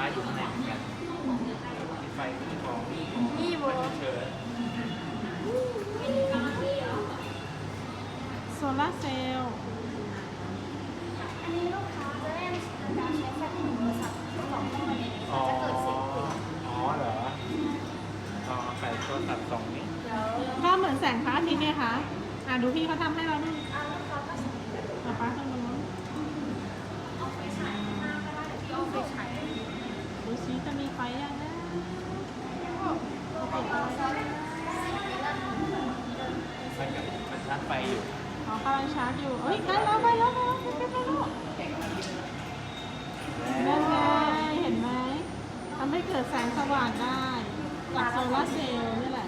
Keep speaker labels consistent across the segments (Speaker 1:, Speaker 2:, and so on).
Speaker 1: อยู่ข้างในเหมือนกันมีไฟมีของ
Speaker 2: นี่โบ
Speaker 1: เชิญ
Speaker 3: โซลาร์เซลล์
Speaker 2: อันนี้ลูกค้าจะเล่นการใช้แฟลชโทรศัพท์2ห้องเลย
Speaker 1: อ๋อ
Speaker 2: จะเกิดเสียงเพลง
Speaker 1: อ๋อเหรออ๋อไข่โทรศัพท์สองนี้
Speaker 3: ก็เหมือนแสงพระอาทิตย์เนี่ยค่ะดูพี่เขาทำให้เราดู
Speaker 2: ลูกค้าก็สามารถ
Speaker 3: เอาป้าข้างบนนู้น
Speaker 2: เอาไฟฉายข้างหน้าก็ได้เดี๋ยวพี่เอาไฟฉาย
Speaker 3: ดูซิจะมีไฟยังนะเอาเปิดไฟ
Speaker 1: มันชาร์จไฟอยู่
Speaker 3: อ๋อกำลังชาร์จอยู่เอ้ยใกล้แล้วใกล้แล้วใกล้แล้วใกล้แล้วนั่นไงเห็นไหมทำให้เกิดแสงสว่างได้จากโซลาร์เซลล์นี่แหละ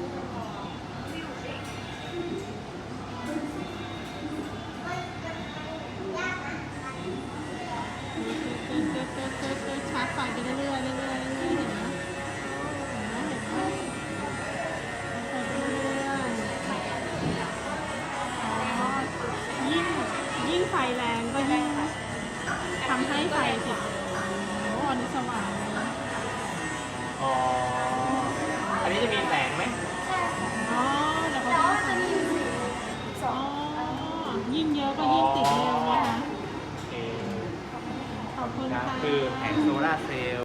Speaker 3: ชาร์จไฟไปเรื่อยๆเรื่อยๆเรื่อยๆเห็นไหมเห็นไหมเปิดเรื่อยๆอ๋อยิ่งไฟแรงก็ยิ่งทำให้ไฟติดโอ้อันนี้สว่างเลยนะ
Speaker 1: อ๋อ อันนี้จะมีแสงไหม
Speaker 3: อ๋อเดี๋ยวเขา
Speaker 2: แต่
Speaker 3: จะ
Speaker 2: ว่าจะมีอยู่ส
Speaker 3: อ๋
Speaker 2: อ
Speaker 3: อง ยิ่งเยอะก็ยิ่งติดเร็วนะคะ
Speaker 1: โอเค
Speaker 3: ขอบคุณ
Speaker 1: นะ
Speaker 3: ค่ะ
Speaker 1: คือแผงโซลาร์เซลล์